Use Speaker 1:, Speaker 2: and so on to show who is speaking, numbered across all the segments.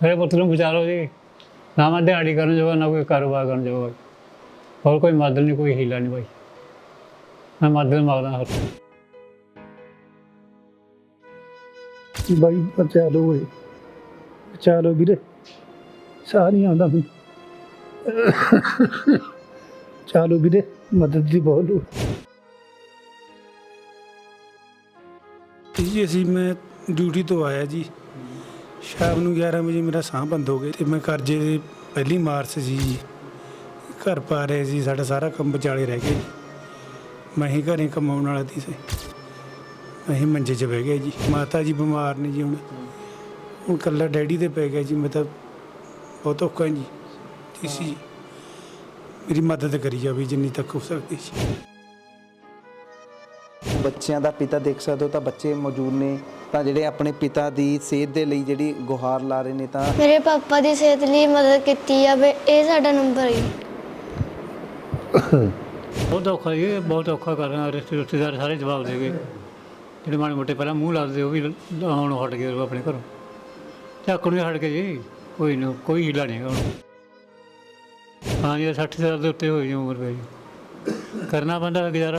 Speaker 1: मेरे पुत्र ਨੂੰ ਬਚਾ ਲਓ ਜੀ। ਨਾ ਮੈਂ ਦਿਹਾੜੀ ਕਰਨ ਜੋਗਾ ਨਾ ਕੋਈ ਕਾਰੋਬਾਰ ਕਰਨ ਜੋਗਾ, ਹੋਰ ਕੋਈ ਮਦਦ ਨਹੀਂ, ਕੋਈ ਹੀਲਾ ਨਹੀਂ ਭਾਈ। ਮੈਂ ਮਦਦ ਮੰਗਦਾ ਹਰ
Speaker 2: ਬਾਈ ਬਚਾ ਲਓ ਓਏ, ਬਚਾ ਲਓ ਵੀਰੇ, ਸਾਹ ਨਹੀਂ ਆਉਂਦਾ ਮੈਨੂੰ। ਬਚਾ ਲਓ ਵੀਰੇ, ਮਦਦ ਦੀ ਬਹੁਤ ਲੋੜ।
Speaker 3: ਜੀ ਅਸੀਂ ਮੈਂ ਡਿਊਟੀ ਤੋਂ ਆਇਆ ਜੀ, ਸ਼ਾਮ ਨੂੰ 11 ਵਜੇ ਮੇਰਾ ਸਾਹ ਬੰਦ ਹੋ ਗਿਆ ਤੇ ਮੈਂ ਕਰਜ਼ੇ ਦੀ ਪਹਿਲੀ ਮਾਰਚ ਸੀ ਜੀ, ਘਰ ਪਾ ਰਹੇ ਸੀ, ਸਾਡਾ ਸਾਰਾ ਕੰਮ ਵਿਚਾਲੇ ਰਹਿ ਗਿਆ ਜੀ। ਮੈਂ ਹੀ ਘਰੇ ਕਮਾਉਣ ਵਾਲਾ ਸੀ, ਅਸੀਂ ਮੰਜੇ 'ਚ ਬਹਿ ਗਏ ਜੀ। ਮਾਤਾ ਜੀ ਬਿਮਾਰ ਨੇ ਜੀ, ਹੁਣ ਇਕੱਲਾ ਡੈਡੀ 'ਤੇ ਪੈ ਗਿਆ ਜੀ। ਮੈਂ ਤਾਂ ਬਹੁਤ ਔਖਾ ਜੀ। ਤੁਸੀਂ ਮੇਰੀ ਮਦਦ ਕਰੀ ਜਾਵੇ ਜਿੰਨੀ ਤੱਕ ਹੋ ਸਕਦੀ ਸੀ।
Speaker 4: ਬੱਚਿਆਂ ਦਾ ਪਿਤਾ ਦੇਖ ਸਕਦੇ ਹੋ ਤਾਂ ਬੱਚੇ ਮੌਜੂਦ ਨੇ, ਤਾਂ ਜਿਹੜੇ ਆਪਣੇ ਪਿਤਾ ਦੀ ਸਿਹਤ ਦੇ ਲਈ ਜਿਹੜੀ ਗੁਹਾਰ ਲਾ ਰਹੇ ਨੇ। ਤਾਂ
Speaker 5: ਮੇਰੇ ਪਾਪਾ ਦੀ ਸਿਹਤ ਲਈ ਮਦਦ ਕੀਤੀ ਜਾਵੇ, ਇਹ ਸਾਡਾ ਨੰਬਰ ਹੈ।
Speaker 1: ਬਹੁਤ ਔਖਾ ਜੀ, ਬਹੁਤ ਔਖਾ ਕਰ ਰਿਹਾ। ਰਿਸ਼ਤੇਦਾਰ ਸਾਰੇ ਜਵਾਬ ਦੇ ਗਏ, ਜਿਹੜੇ ਮਾੜੇ ਮੋਟੇ ਪਹਿਲਾਂ ਮੂੰਹ ਲਾਦੇ ਉਹ ਵੀ ਹੁਣ ਹਟ ਗਏ ਆਪਣੇ ਘਰੋਂ, ਝਾਕਣ ਵੀ ਹਟ ਗਏ ਜੀ। ਕੋਈ ਨਹੀਂ, ਕੋਈ ਹੀਲਾ ਨਹੀਂ ਹੁਣ। ਹਾਂ ਜੀ, 60 ਸਾਲ ਦੇ ਉੱਤੇ ਹੋਈ ਜੀ ਉਮਰ ਪਈ, ਕਰਨਾ ਪੈਂਦਾ ਗੁਜ਼ਾਰਾ।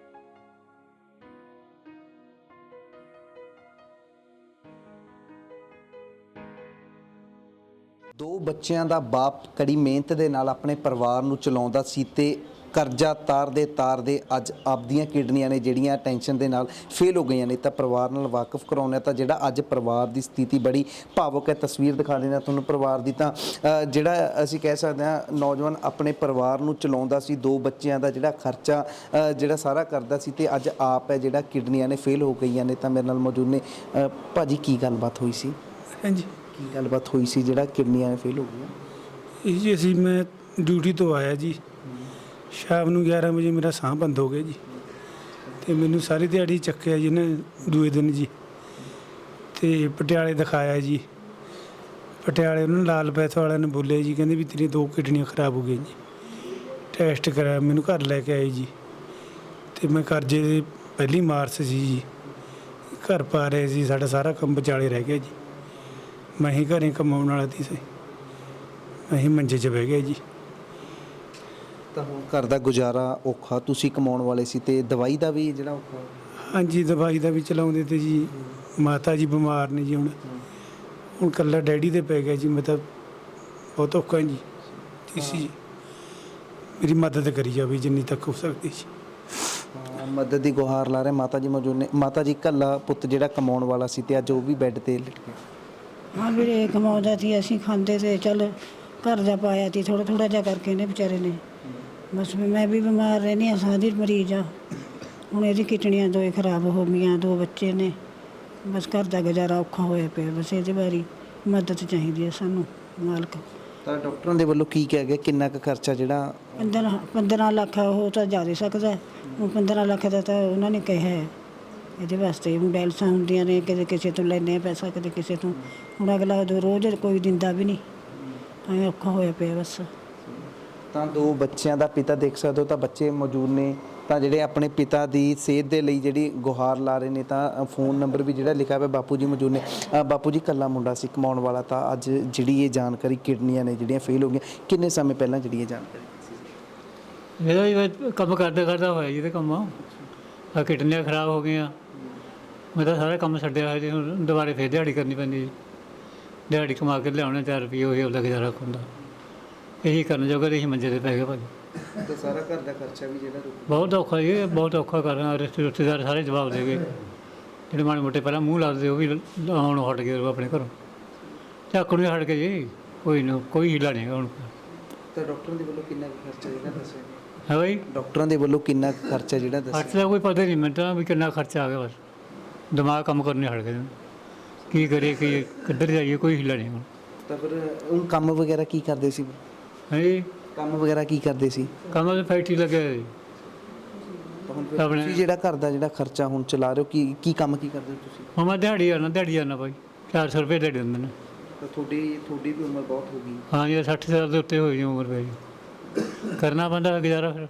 Speaker 4: ਦੋ ਬੱਚਿਆਂ ਦਾ ਬਾਪ ਕੜੀ ਮਿਹਨਤ ਦੇ ਨਾਲ ਆਪਣੇ ਪਰਿਵਾਰ ਨੂੰ ਚਲਾਉਂਦਾ ਸੀ ਤੇ ਕਰਜ਼ਾ ਤਾਰਦੇ ਅੱਜ ਆਪਦੀਆਂ ਕਿਡਨੀਆਂ ਨੇ ਜਿਹੜੀਆਂ ਟੈਨਸ਼ਨ ਦੇ ਨਾਲ ਫੇਲ ਹੋ ਗਈਆਂ ਨੇ। ਤਾਂ ਪਰਿਵਾਰ ਨਾਲ ਵਾਕਿਫ ਕਰਾਉਣਾ, ਤਾਂ ਜਿਹੜਾ ਅੱਜ ਪਰਿਵਾਰ ਦੀ ਸਥਿਤੀ ਬੜੀ ਭਾਵੁਕ ਹੈ। ਤਸਵੀਰ ਦਿਖਾ ਦੇਣਾ ਤੁਹਾਨੂੰ ਪਰਿਵਾਰ ਦੀ। ਤਾਂ ਜਿਹੜਾ ਅਸੀਂ ਕਹਿ ਸਕਦੇ ਹਾਂ, ਨੌਜਵਾਨ ਆਪਣੇ ਪਰਿਵਾਰ ਨੂੰ ਚਲਾਉਂਦਾ ਸੀ, ਦੋ ਬੱਚਿਆਂ ਦਾ ਜਿਹੜਾ ਖਰਚਾ ਜਿਹੜਾ ਸਾਰਾ ਕਰਦਾ ਸੀ, ਤੇ ਅੱਜ ਆਪ ਹੈ ਜਿਹੜਾ ਕਿਡਨੀਆਂ ਨੇ ਫੇਲ ਹੋ ਗਈਆਂ ਨੇ। ਤਾਂ ਮੇਰੇ ਨਾਲ ਮੌਜੂਦ ਨੇ ਭਾਜੀ, ਕੀ ਗੱਲਬਾਤ ਹੋਈ ਸੀ?
Speaker 3: ਹਾਂਜੀ,
Speaker 4: ਕੀ ਗੱਲਬਾਤ ਹੋਈ ਸੀ ਜਿਹੜਾ ਕਿਡਨੀਆਂ ਨੇ ਫੇਲ ਹੋ ਗਈਆਂ?
Speaker 3: ਇਹ ਜੀ ਅਸੀਂ ਮੈਂ ਡਿਊਟੀ ਤੋਂ ਆਇਆ ਜੀ, ਸ਼ਾਮ ਨੂੰ 11 ਵਜੇ ਮੇਰਾ ਸਾਹ ਬੰਦ ਹੋ ਗਿਆ ਜੀ, ਤੇ ਮੈਨੂੰ ਸਾਰੀ ਦਿਹਾੜੀ ਚੱਕਿਆ ਜੀ ਨੇ ਦੂਏ ਦਿਨ ਜੀ, ਤੇ ਪਟਿਆਲੇ ਦਿਖਾਇਆ ਜੀ। ਪਟਿਆਲੇ ਉਹਨਾਂ ਲਾਲ ਪੈਥ ਵਾਲਿਆਂ ਨੇ ਬੋਲਿਆ ਜੀ, ਕਹਿੰਦੇ ਵੀ ਤੇਰੀਆਂ 2 ਕਿਡਨੀਆਂ ਖਰਾਬ ਹੋ ਗਈਆਂ ਜੀ। ਟੈਸਟ ਕਰਾਇਆ, ਮੈਨੂੰ ਘਰ ਲੈ ਕੇ ਆਏ ਜੀ, ਤੇ ਮੈਂ ਕਰਜ਼ੇ ਦੀ ਪਹਿਲੀ ਮਾਰਚ ਸੀ ਜੀ, ਘਰ ਪਾ ਰਹੇ ਸੀ, ਸਾਡਾ ਸਾਰਾ ਕੰਮ ਵਿਚਾਲੇ ਰਹਿ ਗਿਆ ਜੀ। ਮੈਂ ਹੀ ਘਰੇ ਕਮਾਉਣ ਵਾਲਾ ਸੀ, ਅਸੀਂ ਮੰਜੇ 'ਚ ਬਹਿ ਗਏ ਜੀ।
Speaker 4: ਤਾਂ ਹੁਣ ਘਰ ਦਾ ਗੁਜ਼ਾਰਾ ਔਖਾ, ਤੁਸੀਂ ਕਮਾਉਣ ਵਾਲੇ ਸੀ, ਤੇ ਦਵਾਈ ਦਾ ਵੀ ਜਿਹੜਾ ਔਖਾ।
Speaker 3: ਹਾਂਜੀ, ਦਵਾਈ ਦਾ ਵੀ ਚਲਾਉਂਦੇ ਤੇ ਜੀ। ਮਾਤਾ ਜੀ ਬਿਮਾਰ ਨੇ ਜੀ, ਹੁਣ ਇਕੱਲਾ ਡੈਡੀ 'ਤੇ ਪੈ ਗਿਆ ਜੀ। ਮੈਂ ਤਾਂ ਬਹੁਤ ਔਖਾ ਜੀ। ਤੁਸੀਂ ਮੇਰੀ ਮਦਦ ਕਰੀ ਜਾਵੇ ਜਿੰਨੀ ਤੱਕ ਹੋ ਸਕਦੀ ਸੀ।
Speaker 4: ਮਦਦ ਦੀ ਗੁਹਾਰ ਲਾ ਰਹੇ ਮਾਤਾ ਜੀ ਮੌਜੂਦ ਨੇ। ਮਾਤਾ ਜੀ, ਇਕੱਲਾ ਪੁੱਤ ਜਿਹੜਾ ਕਮਾਉਣ ਵਾਲਾ ਸੀ ਤੇ ਅੱਜ ਉਹ ਵੀ ਬੈੱਡ ਤੇ ਲਿਟ ਗਿਆ।
Speaker 6: ਹਾਂ ਵੀਰੇ, ਕਮਾਉਂਦਾ ਸੀ, ਅਸੀਂ ਖਾਂਦੇ ਤੇ ਚੱਲ ਘਰ ਦਾ ਪਾਇਆ ਸੀ ਥੋੜ੍ਹਾ ਥੋੜ੍ਹਾ ਜਿਹਾ ਕਰਕੇ ਨੇ ਵਿਚਾਰੇ ਨੇ। ਬਸ ਮੈਂ ਵੀ ਬਿਮਾਰ ਰਹਿੰਦੀ ਹਾਂ, ਸਾਹ ਦੀ ਮਰੀਜ਼ ਆ। ਹੁਣ ਇਹਦੀ ਕਿਡਨੀਆਂ 2 ਖਰਾਬ ਹੋ ਗਈਆਂ, 2 ਬੱਚੇ ਨੇ। ਬਸ ਘਰ ਦਾ ਗੁਜ਼ਾਰਾ ਔਖਾ ਹੋਇਆ ਪਿਆ। ਬਸ ਇਹਦੇ ਬਾਰੇ ਮਦਦ ਚਾਹੀਦੀ ਹੈ ਸਾਨੂੰ ਮਾਲਕ।
Speaker 4: ਤਾਂ ਡਾਕਟਰਾਂ ਦੇ ਵੱਲੋਂ ਕੀ ਕਿਹਾ ਗਿਆ, ਕਿੰਨਾ ਕੁ ਖਰਚਾ ਜਿਹੜਾ
Speaker 6: 15 ਲੱਖ ਉਹ ਤਾਂ ਜਾ ਸਕਦਾ। ਉਹ 15 ਲੱਖ ਦਾ ਤਾਂ ਉਹਨਾਂ ਨੇ ਕਿਹਾ ਹੈ। ਇਹਦੇ ਵਾਸਤੇ ਹੁਣ ਡਾਇਲਸਾਂ ਹੁੰਦੀਆਂ ਨੇ, ਕਦੇ ਕਿਸੇ ਤੋਂ ਲੈਂਦੇ ਆ ਪੈਸਾ, ਕਦੇ ਕਿਸੇ ਤੋਂ। ਹੁਣ ਅਗਲਾ ਰੋਜ਼ ਕੋਈ ਦਿੰਦਾ ਵੀ ਨਹੀਂ, ਐਂ ਔਖਾ ਹੋਇਆ ਪਿਆ ਬਸ।
Speaker 4: ਤਾਂ ਦੋ ਬੱਚਿਆਂ ਦਾ ਪਿਤਾ ਦੇਖ ਸਕਦੇ ਹੋ, ਤਾਂ ਬੱਚੇ ਮੌਜੂਦ ਨੇ, ਤਾਂ ਜਿਹੜੇ ਆਪਣੇ ਪਿਤਾ ਦੀ ਸਿਹਤ ਦੇ ਲਈ ਜਿਹੜੀ ਗੁਹਾਰ ਲਾ ਰਹੇ ਨੇ। ਤਾਂ ਫੋਨ ਨੰਬਰ ਵੀ ਜਿਹੜਾ ਲਿਖਿਆ ਹੋਇਆ, ਬਾਪੂ ਜੀ ਮੌਜੂਦ ਨੇ। ਬਾਪੂ ਜੀ, ਇਕੱਲਾ ਮੁੰਡਾ ਸੀ ਕਮਾਉਣ ਵਾਲਾ, ਤਾਂ ਅੱਜ ਜਿਹੜੀ ਇਹ ਜਾਣਕਾਰੀ ਕਿਡਨੀਆਂ ਨੇ ਜਿਹੜੀਆਂ ਫੇਲ ਹੋ ਗਈਆਂ, ਕਿੰਨੇ ਸਮੇਂ ਪਹਿਲਾਂ ਜਿਹੜੀ ਇਹ ਜਾਣਕਾਰੀ?
Speaker 1: ਇਹਦਾ ਹੀ ਕੰਮ ਕਰਦੇ ਹੋਇਆ ਜੀ, ਤੇ ਕੰਮ ਆ ਕਿਡਨੀਆਂ ਖਰਾਬ ਹੋ ਗਈਆਂ। ਮੈਂ ਤਾਂ ਸਾਰਾ ਕੰਮ ਛੱਡਿਆ ਹੋਇਆ ਜੀ, ਹੁਣ ਦੁਬਾਰੇ ਫਿਰ ਦਿਹਾੜੀ ਕਰਨੀ ਪੈਂਦੀ ਜੀ। ਦਿਹਾੜੀ ਕਮਾ ਕੇ ਲਿਆਉਣੇ 4 ਰੁਪਏ, ਉਹੀ ਉਹਦਾ ਗੁਜ਼ਾਰਾ ਹੁੰਦਾ। ਇਹੀ ਕਰਨ ਜੋਗਾ ਇਹੀ ਮੰਜੇ 'ਤੇ ਪੈ ਗਏ ਭਾਜੀ।
Speaker 4: ਤਾਂ ਸਾਰਾ ਘਰ ਦਾ ਖਰਚਾ ਵੀ ਜਿਹੜਾ
Speaker 1: ਬਹੁਤ ਔਖਾ ਜੀ, ਬਹੁਤ ਔਖਾ ਕਰ ਰਿਹਾ। ਰਿਸ਼ਤੇਦਾਰ ਸਾਰੇ ਜਵਾਬ ਦੇ ਗਏ, ਜਿਹੜੇ ਮਾੜੇ ਮੋਟੇ ਪਹਿਲਾਂ ਮੂੰਹ ਲਾਦੇ ਉਹ ਵੀ ਹੁਣ ਹਟ ਗਏ ਆਪਣੇ ਘਰੋਂ, ਝਾਕਣ ਵੀ ਹਟ ਗਏ ਜੀ। ਕੋਈ ਨਹੀਂ, ਕੋਈ ਹੀਲਾ ਨਹੀਂ ਹੁਣ।
Speaker 4: ਤਾਂ ਡਾਕਟਰਾਂ ਦੇ ਵੱਲੋਂ ਕਿੰਨਾ ਖਰਚਾ ਜਿਹੜਾ ਦੱਸਿਆ
Speaker 1: ਹੈ ਬਾਈ?
Speaker 4: ਡਾਕਟਰਾਂ ਦੇ ਵੱਲੋਂ ਕਿੰਨਾ ਖਰਚਾ ਜਿਹੜਾ ਦੱਸਿਆ?
Speaker 1: ਖਰਚ ਦਾ ਕੋਈ ਪਤਾ ਨਹੀਂ ਮੈਨੂੰ ਤਾਂ ਵੀ ਕਿੰਨਾ ਖਰਚਾ ਆ ਗਿਆ। ਬਸ ਦਿਮਾਗ ਕੰਮ ਕਰਨੇ ਹਟ ਗਏ, ਕੀ ਕਰੀਏ, ਕੀ ਕਿੱਧਰ ਜਾਈਏ, ਕੋਈ ਹਿੱਲਾ ਨਹੀਂ ਹੁਣ।
Speaker 4: ਤਾਂ ਫਿਰ ਹੁਣ ਕੰਮ ਵਗੈਰਾ ਕੀ ਕਰਦੇ ਸੀ?
Speaker 1: ਹੈ ਜੀ,
Speaker 4: ਕੰਮ ਵਗੈਰਾ ਕੀ ਕਰਦੇ ਸੀ?
Speaker 1: ਕੰਮ ਤਾਂ ਫੈਕਟਰੀ ਲੱਗਿਆ ਹੋਇਆ ਜੀ ਆਪਣੇ।
Speaker 4: ਤੁਸੀਂ ਜਿਹੜਾ ਘਰ ਦਾ ਜਿਹੜਾ ਖਰਚਾ ਹੁਣ ਚਲਾ ਰਹੇ ਹੋ, ਕੀ ਕੰਮ ਕੀ ਕਰਦੇ ਹੋ ਤੁਸੀਂ?
Speaker 1: ਹੁਣ ਮੈਂ ਦਿਹਾੜੀ ਆਉਣਾ ਭਾਈ, 400 ਰੁਪਏ ਦਿਹਾੜੀ ਦਿੰਦੇ ਨੇ।
Speaker 4: ਤਾਂ ਤੁਹਾਡੀ ਵੀ ਉਮਰ ਬਹੁਤ ਹੋ ਗਈ।
Speaker 1: ਹਾਂ ਜੀ, 60 ਸਾਲ ਦੇ ਉੱਤੇ ਹੋਈ ਜੀ ਉਮਰ ਪਈ, ਕਰਨਾ ਪੈਂਦਾ ਗੁਜ਼ਾਰਾ। ਫਿਰ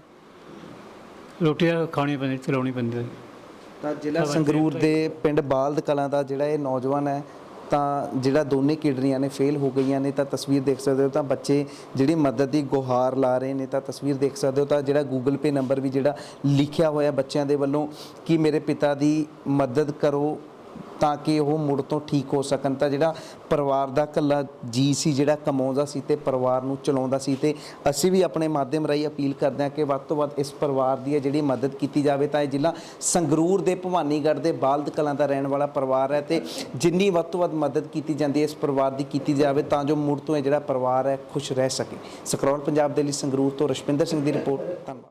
Speaker 1: ਰੋਟੀਆਂ ਖਾਣੀ ਪੈਂਦੀ, ਚਲਾਉਣੀ ਪੈਂਦੀ।
Speaker 4: ਤਾਂ ਜ਼ਿਲ੍ਹਾ ਸੰਗਰੂਰ ਦੇ ਪਿੰਡ ਬਾਲਦ ਕਲਾਂ ਦਾ ਜਿਹੜਾ ਇਹ ਨੌਜਵਾਨ ਹੈ, ਤਾਂ ਜਿਹੜਾ ਦੋਨੇ ਕਿਡਨੀਆਂ ਨੇ ਫੇਲ ਹੋ ਗਈਆਂ ਨੇ। ਤਾਂ ਤਸਵੀਰ ਦੇਖ ਸਕਦੇ ਹੋ, ਤਾਂ ਬੱਚੇ ਜਿਹੜੀ ਮਦਦ ਦੀ ਗੁਹਾਰ ਲਾ ਰਹੇ ਨੇ। ਤਾਂ ਤਸਵੀਰ ਦੇਖ ਸਕਦੇ ਹੋ, ਤਾਂ ਜਿਹੜਾ ਗੂਗਲ ਪੇ ਨੰਬਰ ਵੀ ਜਿਹੜਾ ਲਿਖਿਆ ਹੋਇਆ ਬੱਚਿਆਂ ਦੇ ਵੱਲੋਂ ਕਿ ਮੇਰੇ ਪਿਤਾ ਦੀ ਮਦਦ ਕਰੋ ਤਾਂ ਕਿ ਉਹ ਮੁੜ ਤੋਂ ਠੀਕ ਹੋ ਸਕਣ। ਤਾਂ ਜਿਹੜਾ ਪਰਿਵਾਰ ਦਾ ਇਕੱਲਾ ਜੀ ਸੀ ਜਿਹੜਾ ਕਮਾਉਂਦਾ ਸੀ ਤੇ ਪਰਿਵਾਰ ਨੂੰ ਚਲਾਉਂਦਾ ਸੀ, ਤੇ ਅਸੀਂ ਵੀ ਆਪਣੇ ਮਾਧਿਅਮ ਰਾਹੀਂ ਅਪੀਲ ਕਰਦੇ ਹਾਂ ਕਿ ਵੱਧ ਤੋਂ ਵੱਧ ਇਸ ਪਰਿਵਾਰ ਦੀ ਜਿਹੜੀ ਮਦਦ ਕੀਤੀ ਜਾਵੇ। ਤਾਂ ਇਹ ਜ਼ਿਲ੍ਹਾ ਸੰਗਰੂਰ ਦੇ ਭਵਾਨੀਗੜ੍ਹ ਦੇ ਬਾਲਦ ਕਲਾਂ ਦਾ ਰਹਿਣ ਵਾਲਾ ਪਰਿਵਾਰ ਹੈ, ਤੇ ਜਿੰਨੀ ਵੱਧ ਤੋਂ ਵੱਧ ਮਦਦ ਕੀਤੀ ਜਾਂਦੀ ਹੈ ਇਸ ਪਰਿਵਾਰ ਦੀ ਕੀਤੀ ਜਾਵੇ ਤਾਂ ਜੋ ਮੁੜ ਤੋਂ ਇਹ ਜਿਹੜਾ ਪਰਿਵਾਰ ਹੈ ਖੁਸ਼ ਰਹਿ ਸਕੇ। ਸਕਰੋਲ ਪੰਜਾਬ ਦੇ ਲਈ ਸੰਗਰੂਰ ਤੋਂ ਰਸ਼ਪਿੰਦਰ ਸਿੰਘ ਦੀ ਰਿਪੋਰਟ। ਧੰਨਵਾਦ।